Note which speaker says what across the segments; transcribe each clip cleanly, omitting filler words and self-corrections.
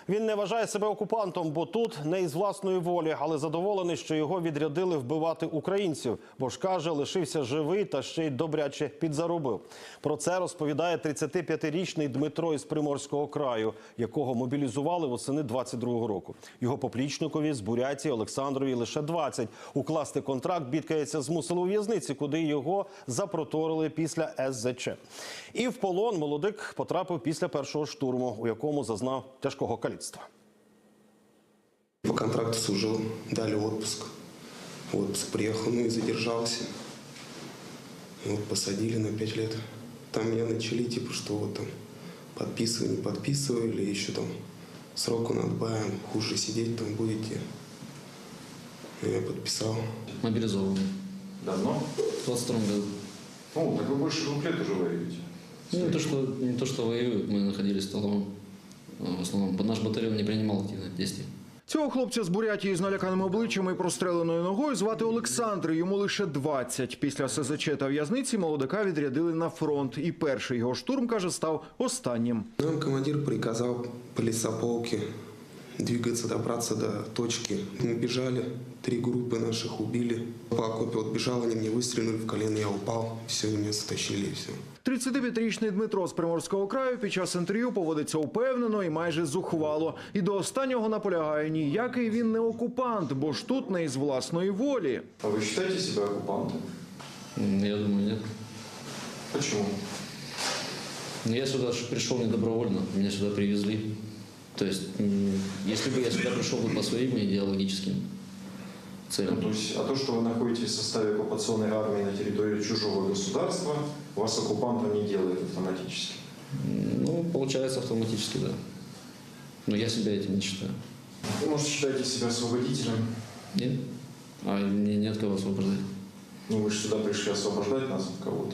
Speaker 1: Він не вважає себе окупантом, бо тут не із власної волі, але задоволений, що його відрядили вбивати українців. Бо ж, каже, лишився живий та ще й добряче підзаробив. Про це розповідає 35-річний Дмитро із Приморського краю, якого мобілізували восени 22-го року. Його поплічникові з Бурятії Олександрові лише 20. Укласти контракт, бідкається, змусили у в'язниці, куди його запроторили після СЗЧ. І в полон молодик потрапив після першого штурму, у якому зазнав тяжкого каліцтва.
Speaker 2: По контракту служил, дали отпуск. В отпуск приехал, и задержался. Посадили на 5 лет. Там меня начали, что там подписывай, не подписывай, или еще там сроку надбавим, хуже сидеть там будете. Я подписал.
Speaker 3: Мобилизованный.
Speaker 4: Давно?
Speaker 3: В 22 году.
Speaker 4: Так вы больше 2 лет уже воюете.
Speaker 3: Не то, что воюют, мы находились в столовом. В основном наш батальон не принимал активных действий.
Speaker 5: Цього хлопця з Бурятії з наляканим обличчям і простреленою ногою звати Олександр. Йому лише 20. Після СЗЧ та в'язниці молодика відрядили на фронт. І перший його штурм, каже, став останнім.
Speaker 2: Нам командир приказал по лесополке двигаться, добраться до точки. Мы бежали, 3 группы наших убили. По окопе бежал, они мне выстрелили в колено, я упал. Все, они меня затащили и все.
Speaker 5: 35-річний Дмитро з Приморського краю під час інтерв'ю поводиться упевнено і майже зухвало. І до останнього наполягає, ніякий він не окупант, бо ж тут не із власної волі.
Speaker 4: А вы считаете себя оккупантом?
Speaker 3: Я думаю, нет.
Speaker 4: Почему?
Speaker 3: Я сюда пришел не добровольно, меня сюда привезли. То есть, если бы я сюда пришел бы по своим идеологическим целям.
Speaker 4: То есть, а то, что вы находитесь в составе оккупационной армии на территории чужого государства, вас оккупантом не делает автоматически?
Speaker 3: Получается автоматически, да. Но я себя этим не считаю.
Speaker 4: Вы, может, считаете себя освободителем?
Speaker 3: Нет? А мне нет кого освобождать.
Speaker 4: Вы же сюда пришли освобождать нас от кого-то.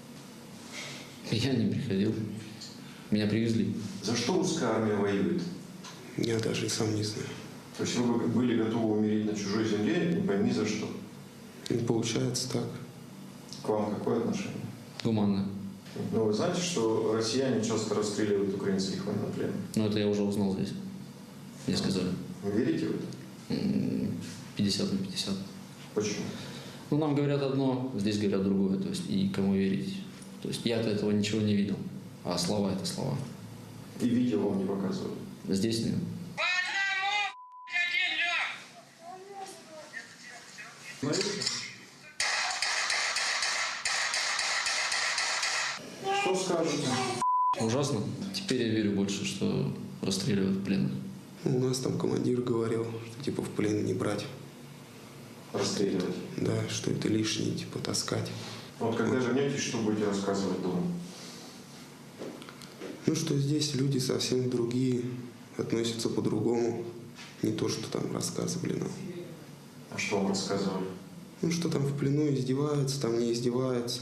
Speaker 3: Я не приходил. Меня привезли.
Speaker 4: За что русская армия воюет?
Speaker 2: Я даже и сам не знаю.
Speaker 4: То есть вы были готовы умереть на чужой земле, не пойми за что.
Speaker 2: Не получается так.
Speaker 4: К вам какое отношение?
Speaker 3: Гуманно.
Speaker 4: Вы знаете, что россияне часто расстреливают украинских военнопленных?
Speaker 3: Это я уже узнал здесь. Мне сказали.
Speaker 4: Вы верите в это?
Speaker 3: 50 на 50.
Speaker 4: Почему?
Speaker 3: Нам говорят одно, здесь говорят другое. То есть, и кому верить. То есть, я-то этого ничего не видел. А слова – это слова.
Speaker 4: И видео вам не показывают?
Speaker 3: Здесь нет.
Speaker 4: Что скажете?
Speaker 3: Ужасно. Теперь я верю больше, что расстреливают пленных.
Speaker 2: У нас там командир говорил, что в плен не брать.
Speaker 4: Расстреливать?
Speaker 2: Да, что это лишнее, таскать.
Speaker 4: Когда вернетесь, что будете рассказывать дома?
Speaker 2: Что здесь люди совсем другие, относятся по-другому. Не то, что там рассказывали нам.
Speaker 4: А что вам рассказывали?
Speaker 2: Что там в плену издеваются, там не издеваются.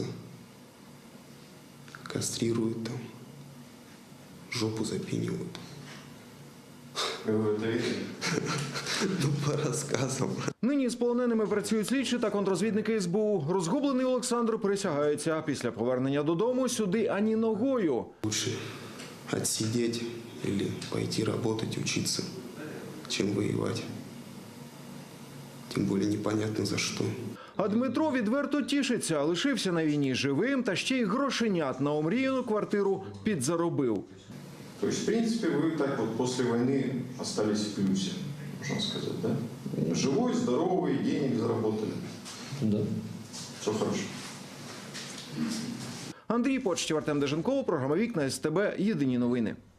Speaker 2: Кастрируют там. Жопу запинивают.
Speaker 4: Вы в это верите?
Speaker 2: По рассказам.
Speaker 5: Нині з полоненими працюють слідчі та контррозвідники СБУ. Розгублений Олександр присягається. Після повернення додому сюди ані ногою.
Speaker 2: Лучше отсидеть или пойти работать, учиться, чем воевать. Тем более непонятно за что.
Speaker 5: А Дмитро відверто тішиться. Лишився на війні живим та ще й грошенят на омріяну квартиру підзаробив.
Speaker 4: То есть, в принципе, вы так после войны остались в плюсе, можно сказать, да? Живой, здоровый, денег заработали.
Speaker 3: Да.
Speaker 4: Все хорошо.
Speaker 5: Андрій Почтів, Артем Деженков, програма «Вікна СТБ». Єдині новини.